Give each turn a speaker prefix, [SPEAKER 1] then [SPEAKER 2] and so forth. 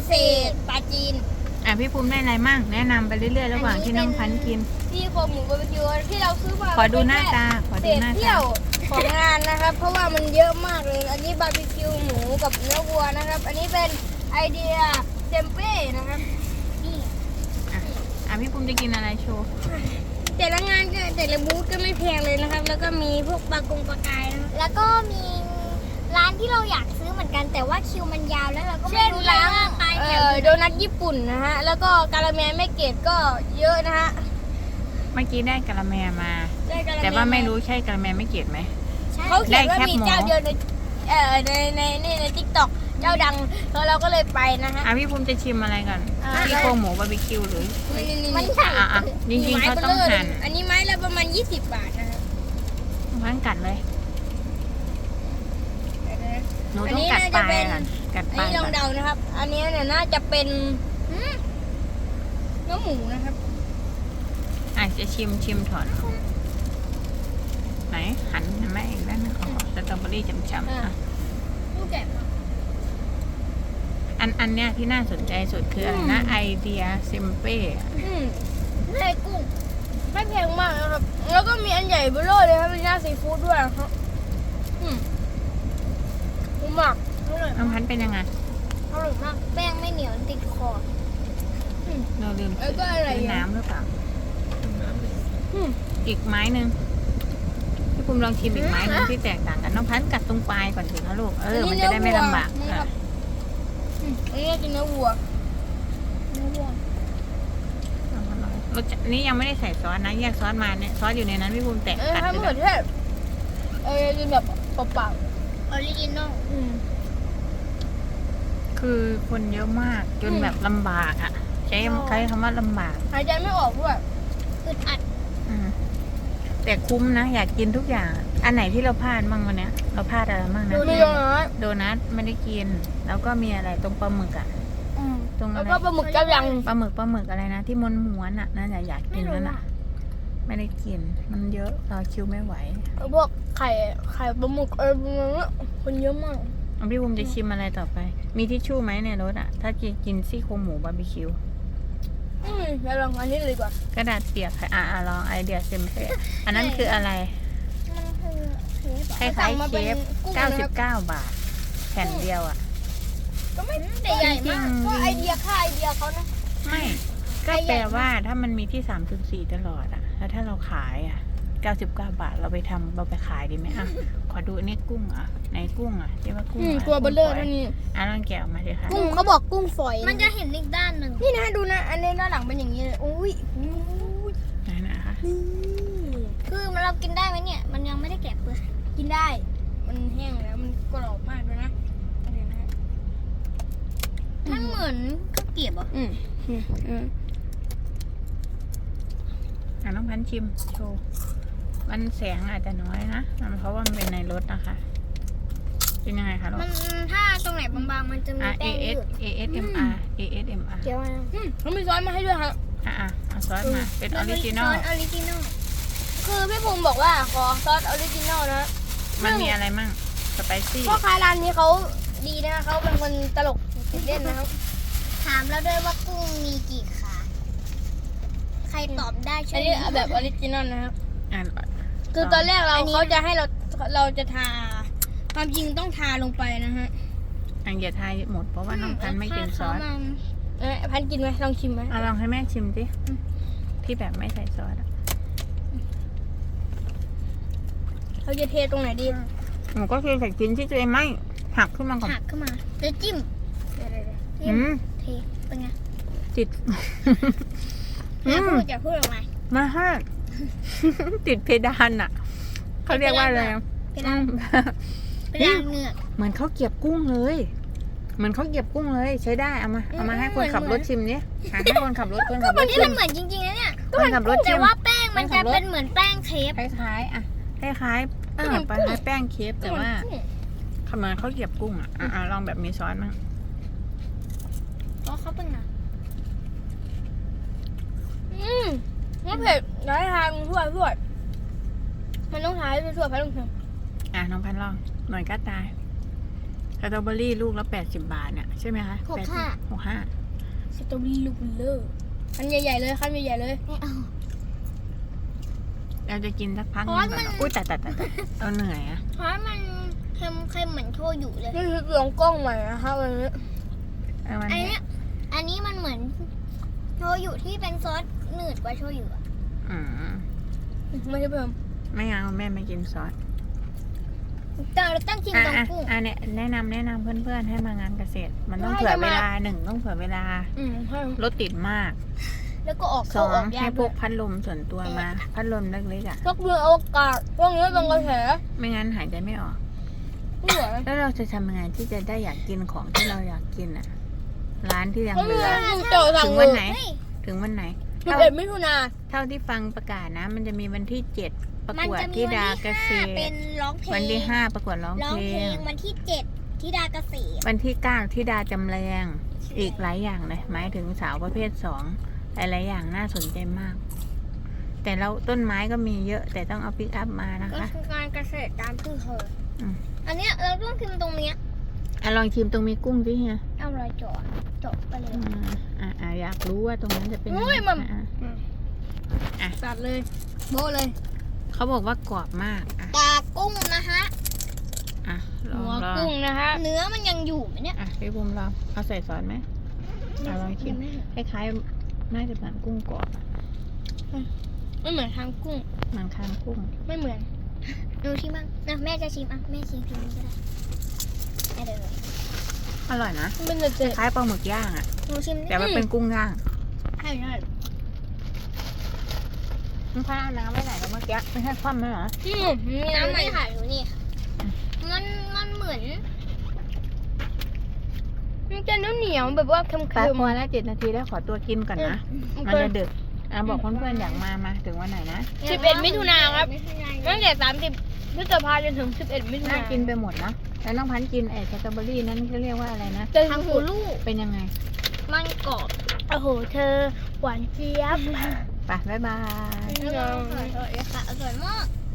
[SPEAKER 1] ษตรปลาจีน
[SPEAKER 2] พี่ภูมิได้อะไรมั่งแนะนำไปเรื่อยๆระหว่างที่น้องพันกิน
[SPEAKER 1] ที่โครงหมูบาร์บีคิวที่เราซื้อมา
[SPEAKER 2] ขอดูหน้าตา
[SPEAKER 1] เที่ยวของงานนะครับเพราะว่ามันเยอะมากเลยอันนี้บาร์บีคิวหมูกับเนื้อวัวนะครับอันนี้เป็นไอเดียเทมเป้นะครับนี่
[SPEAKER 2] พี่ภูมิจะกินอะไรโชว์
[SPEAKER 1] แต่ละงานก็แต่ละบูธก็ไม่แพงเลยนะครับแล้วก็มีพวกปลากงปลากายนะ
[SPEAKER 3] แล้วก็มีร้านที่เราอยากซื้อเหมือนกันแต่ว่าคิวมันยาวแล้วเราก็ไม่รู้ร้านไป
[SPEAKER 1] โดนัทญี่ปุ่นนะฮะแล้วก็กาละแมแม่เกดก็เยอะนะฮะ
[SPEAKER 2] เมื่อกี้ได้กะละแมมาแต่ว่าไม่รู้ใช่กะละแมไม่เกลียดไหม
[SPEAKER 1] เขาเขียนว่ามีเจ้าเดียวในทิกตอกเจ้าดังแล้วเราก็เลยไปนะฮะ
[SPEAKER 2] พี่ภูมิจะชิมอะไรก่อนที่โครงหมูบาร์บีคิวหรือ
[SPEAKER 1] มัน
[SPEAKER 2] จริงๆเขาต้องหั่น
[SPEAKER 1] อันนี้ไม้ละประมาณ20 บาทนะครับ
[SPEAKER 2] พันกัดเลยหนูต้องกัดปลายก่อนกัดปลาย
[SPEAKER 1] ลองเดานะครับอันนี้เนี่ยน่าจะเป็นเนื้อหมูนะครับ
[SPEAKER 2] จะชิมถอนไหนหันแม่อีกด้านนึงขอสตรอเบอรี่จำ
[SPEAKER 1] ลูกแกะ
[SPEAKER 2] อันเนี้ยที่น่าสนใจสุดคืออะไรนะไอเดียซิมเป้
[SPEAKER 1] ไส้กุ้งไม่แพงมากนะครับแล้วก็มีอันใหญ่เบ้อเลยครับเป็นย่าซีฟู้ดด้วยครับมาก
[SPEAKER 2] น้องพันเป็นยังไง
[SPEAKER 1] อร่อยมาก
[SPEAKER 3] แป้งไม่เหนียวติดคอ
[SPEAKER 2] เราลืม
[SPEAKER 1] ซื้อ
[SPEAKER 2] น้ำหรือเปล่าอีกไม้หนึ่งพี่ภูมิลองชิมอีกไม้นึงที่แตกต่างกันน้องพันกัดตรงปลายก่อนสิคะลูกมันจะได้ไม่ลำบาก
[SPEAKER 1] อันนี้กินเนื้อวัว
[SPEAKER 2] รสนี้ยังไม่ได้ใส่ซอสนะแยกซอสมาเนี่ยซอสอยู่ในนั้นพี่ภูมิแตะกัด
[SPEAKER 1] ไปเลยกินแบบเปล่า
[SPEAKER 3] ออริจินอล
[SPEAKER 2] คือคนเยอะมากจนแบบลำบากใช้คำว่าลำบาก
[SPEAKER 1] หายใจไม่ออกด้วย
[SPEAKER 3] อึดอัด
[SPEAKER 2] แต่คุ้มนะอยากกินทุกอย่างอันไหนที่เราพลาดมั่งวันนี้เราพลาดอะไรมั่งนะโดนัทไม่ได้กินแล้วก็มีอะไรตรงปลาหมึก
[SPEAKER 1] ตรงอะไรแล้วก็ปลาหมึกเจ้ายัง
[SPEAKER 2] ปลาหมึกอะไรนะที่ม้วนนั่นอยากกินนั่นไม่ได้กินมันเยอะเราคิวไม่ไหว
[SPEAKER 1] พวกไข่ปลาหมึกคนเยอะมาก
[SPEAKER 2] พี่ภูมิจะชิมอะไรต่อไปมีทิชชู่ไหมในรถถ้ากินซี่โครงหมูบาร์บีคิว
[SPEAKER 1] แล้วลองอันนี้เลยดีกว่าก
[SPEAKER 2] ระดาษเปียกลองไอเดียเซมเป้อันนั้นคืออะไรคล้ายๆเคฟ99 บาทแผ่นเดียว
[SPEAKER 1] ก็ไม่ได้ใหญ่มากก็ไอเดียเขานะ
[SPEAKER 2] ไม่ก็แปลว่าถ้ามันมีที่3.4ตลอดแล้วถ้าเราขาย99 บาทเราไปขายดีไหมขอดูนี่กุ้งในกุ้งที่ว่ากุ้ง
[SPEAKER 1] ตัวเบลเลอร์เท่านี้
[SPEAKER 2] ลองแกะออกมาดิค่ะ
[SPEAKER 1] กุ้งเขาบอกกุ้งฝอย
[SPEAKER 3] มันจะเห็นอีกด้านหนึ่ง
[SPEAKER 1] นี่นะดูนะอันนี้ด้านหลังเป็นอย่างนี้เลยอุ้ย
[SPEAKER 2] ไหนนะคะ
[SPEAKER 3] คือเรากินได้ไหมเนี่ยมันยังไม่ได้แกะเปลือก
[SPEAKER 1] กินได้มันแห้งแล้วมันกรอบมากด้วยนะ
[SPEAKER 3] มันเหมือนข้าวเกรี๊ยว
[SPEAKER 2] น้องพันชิมโชว์มันแสงอาจจะน้อยนะเพราะว่ามันเป็นในรถนะคะเป็นยังไงคะลูก
[SPEAKER 3] มันถ้าตรงไหนบางๆมันจะมีแป้งยืด
[SPEAKER 2] ASMR
[SPEAKER 1] เกี่ยวอะไรเขามีซอสมาให้ด้วยครับ
[SPEAKER 2] เอาซอสมาเป็นออริจินอล
[SPEAKER 1] คือพี่ภูมิบอกว่าขอซอสออริจินอลนะ
[SPEAKER 2] มันมีอะไรมั่งสไปซี่
[SPEAKER 1] พ่อค้าร้านนี้เขาดีนะเขาเป็นคนตลกเล่นนะครับ
[SPEAKER 3] ถามแล้วด้วยว่ากุ้งมีกี่ขาใครตอบได้ช่วย
[SPEAKER 1] อันนี้แบบออริจินอลนะครับคือตอนแรกเขาจะให้เราจะทาความจริงต้องทาลงไปนะฮะ
[SPEAKER 2] อย่าทาหมดเพราะว่าน้องพันไม่กินซอส
[SPEAKER 1] พันกินไหมลองชิมไหม
[SPEAKER 2] ลองให้แม่ชิมสิที่แบบไม่ใส่ซอส
[SPEAKER 1] เราจะเทตรงไหนดี
[SPEAKER 2] หนูก็คือใส่ชิ้นที่ตัวเองไม่หักขึ้นมาก่อน
[SPEAKER 3] หักขึ้นมาแล้วจิ้มเทเป็นไง
[SPEAKER 2] ติด
[SPEAKER 3] อย่าพูดออกมา
[SPEAKER 2] มาฮะติดเพดานเขาเรียกว่าอะไร
[SPEAKER 3] เพดานเหงือก
[SPEAKER 2] เหมือนเขาเก็บกุ้งเลยใช้ได้เอามาให้คนขับรถชิมนี่ให้คนขับรถชิม
[SPEAKER 3] มันเหมือนจริงๆนะเนี่ย
[SPEAKER 2] คนขับรถชิม
[SPEAKER 3] แต่ว่าแป้งมันจะเป็นเหมือนแป้งเคฟ
[SPEAKER 2] คล้ายแป้งเคฟแต่ว่าทำไมเขาเก็บกุ้งลองแบบมีซอสมั้ง
[SPEAKER 3] เขาเป็นไง
[SPEAKER 1] ไม่เผ็ดน้อยทานทั่วมันต้องทานทั่วไปลงถึง
[SPEAKER 2] น้องพันลองหน่อยก็ตายสตรอเบอรี่ลูกละ80 บาทเนี่ยใช่ไหมคะ
[SPEAKER 3] 65
[SPEAKER 2] 65
[SPEAKER 1] สตรอเบอรี่ลูกเลอร์คันใหญ่ๆเลยคันใหญ่ๆเลย
[SPEAKER 3] ไม่เอา
[SPEAKER 2] เราจะกินสักพักห
[SPEAKER 3] เพ
[SPEAKER 2] นึ
[SPEAKER 3] ราะ
[SPEAKER 2] งก่อน
[SPEAKER 3] มัน
[SPEAKER 2] เหรออุ้ยแต่เอาเหนื่อยอะ
[SPEAKER 3] เพราะมันเค็มเหมือนโชยุเลย
[SPEAKER 1] นี่คือลองกล้องใหม่นะครับวันนี้
[SPEAKER 2] เอามัน
[SPEAKER 3] อัน
[SPEAKER 2] เนี่ย
[SPEAKER 3] เนี้ยอันนี้มันเหมือนโชยุที่เป็นซอสหนืดกว่าโชยุอะ
[SPEAKER 2] อืม
[SPEAKER 1] ไม่ใช่เพิ่ม
[SPEAKER 2] ไม่เอาแม่ไม่กินซอส
[SPEAKER 3] แต่เราต้องกินตรงกุ้ง
[SPEAKER 2] เนี่ยแนะนำเพื่อนๆให้มางานเกษตร มันต้อง
[SPEAKER 1] ว่า
[SPEAKER 2] เผื่อ
[SPEAKER 1] จะ
[SPEAKER 2] เว
[SPEAKER 1] มา
[SPEAKER 2] ลาหนึ่งต้องเผื่อเวลา
[SPEAKER 1] ใช่
[SPEAKER 2] รถติดมาก
[SPEAKER 3] แล้วก็ออก
[SPEAKER 2] ส
[SPEAKER 3] เข้า
[SPEAKER 2] อ
[SPEAKER 3] ออง ก
[SPEAKER 2] ให้
[SPEAKER 3] ยาก
[SPEAKER 2] พ
[SPEAKER 3] ด้ว
[SPEAKER 2] ก
[SPEAKER 3] ย
[SPEAKER 2] พัดลมส่วนตัวมา พัดลมเล็กๆอ่ะ
[SPEAKER 1] สักเดือนอวกาศพวกนี้เป็นกระแส
[SPEAKER 2] ไม่งั้นหายใจไม่ออก
[SPEAKER 1] ไม่ไหว
[SPEAKER 2] แล้วเราจะทำยังไงที่จะได้อยากกินของที่เราอยากกินอ่ะ ร้านที่ยัง
[SPEAKER 1] เขา
[SPEAKER 2] เห
[SPEAKER 1] มี
[SPEAKER 2] ลือ
[SPEAKER 1] ลูกเต่าสั่
[SPEAKER 2] ถึ
[SPEAKER 1] ง
[SPEAKER 2] ง
[SPEAKER 1] เล
[SPEAKER 2] วัน
[SPEAKER 1] ย
[SPEAKER 2] ไหน
[SPEAKER 3] เฮ้ย
[SPEAKER 2] ถึงวันไหน
[SPEAKER 1] 11 มิถุนา
[SPEAKER 2] เท่าที่ฟังประกาศนะ มันจะมีวันที่ 7 ประ
[SPEAKER 3] มัน
[SPEAKER 2] กวด
[SPEAKER 3] จะมี
[SPEAKER 2] ธิ
[SPEAKER 3] วัน
[SPEAKER 2] ดา
[SPEAKER 3] ที่
[SPEAKER 2] เกษ
[SPEAKER 3] 5
[SPEAKER 2] ต
[SPEAKER 3] เป็
[SPEAKER 2] ร
[SPEAKER 3] นร้องเพลง
[SPEAKER 2] วันที่ 5 ประกวดร้อง
[SPEAKER 3] ร้อง
[SPEAKER 2] เพล
[SPEAKER 3] เพล
[SPEAKER 2] ง
[SPEAKER 3] งวันที่7ธิดาเกษตร
[SPEAKER 2] วันที่ 9 ธิดาจำแรงอีกหลายอย่างเลยหมายถึงสาวประเภท 2 หลายๆอย่างน่าสนใจมาก แต่เราต้นไม้ก็มีเยอะแต่ต้องเอาปิกอัพมานะ
[SPEAKER 3] ก็
[SPEAKER 2] คะ
[SPEAKER 3] คือการเกษตรตามชื่อเธออ
[SPEAKER 2] ม
[SPEAKER 3] อันเนี้ยเราต้องกินตรงเนี้ย
[SPEAKER 2] ลองชิมตรงมีกุ้งสิเฮีย
[SPEAKER 3] เอารอยจบไปเลย
[SPEAKER 2] อยากรู้ว่าตรงนั้นจะเป็นยัง
[SPEAKER 1] โอ้ย
[SPEAKER 2] ไง
[SPEAKER 1] มัน
[SPEAKER 2] อ่ะ
[SPEAKER 1] ตัดเลยโบ้เลย
[SPEAKER 2] เขาบอกว่ากรอบมากอ่ะ
[SPEAKER 3] ตากุ้งนะฮะ
[SPEAKER 2] ลอง
[SPEAKER 1] หัว
[SPEAKER 2] ลอง
[SPEAKER 1] กุ้งนะคะ
[SPEAKER 3] เนื้อมันยังอยู่ไหมเนี่ย
[SPEAKER 2] พี่บุ้มลองเอาใส่ซอสไหมลองชิมคล้ายๆน่าจะเหมือนกุ้งกรอบอะ
[SPEAKER 1] ไม่เหมือนทางกุ้ง
[SPEAKER 2] มันคางกุ้ง
[SPEAKER 1] ไม่เหมือน
[SPEAKER 3] ดูชิมบ้างนะแม่จะชิมอ่ะแม่ชิมนี้ก็ได้ได้เลย
[SPEAKER 2] อร่อยนะ
[SPEAKER 1] มันจะเจ็บ
[SPEAKER 2] คล้ายปลาหมึกย่างอ่ะ
[SPEAKER 3] หนูชิมดิ
[SPEAKER 2] แต่ว่าเป็นกุ้งย่าง
[SPEAKER 1] ใช่ใช่
[SPEAKER 2] มันพาเอาน้ำไว้ไหนแล้วเมื่อกี้ไม่ใช่คว่ำไหมเหรอ
[SPEAKER 1] มี
[SPEAKER 3] น้ำ
[SPEAKER 1] น้ำไหม
[SPEAKER 3] ไม่ค่ะดูนี่ค่ะมันเหมือน
[SPEAKER 1] มันจะเหนียวๆแบบว่าเค็ม
[SPEAKER 2] แป๊บพอแล้ว7 นาทีแล้วขอตัวกินก่อนนะ
[SPEAKER 1] ๆ
[SPEAKER 2] มันจะดึกบอกเพื่อนๆอยากมาถึงวันไหนนะ
[SPEAKER 1] 11 มิถุนาครับ ตั้งแต่30 พฤษภาจนถึง 11 มิถุ
[SPEAKER 2] น่า
[SPEAKER 1] นา
[SPEAKER 2] กินไปหมดนะแล้วน้องพันธุ์กินสตรอเบอรี่นั้นเขาเรียกว่าอะไรนะ
[SPEAKER 1] แต่
[SPEAKER 3] ทางหูลูก
[SPEAKER 2] เป็นยังไง
[SPEAKER 3] มันกรอบ
[SPEAKER 1] โอ้โห เธอหวานเจี๊ยบ
[SPEAKER 2] ไปบ๊ายบาย
[SPEAKER 3] อร่อยค่ะอร่อยมาก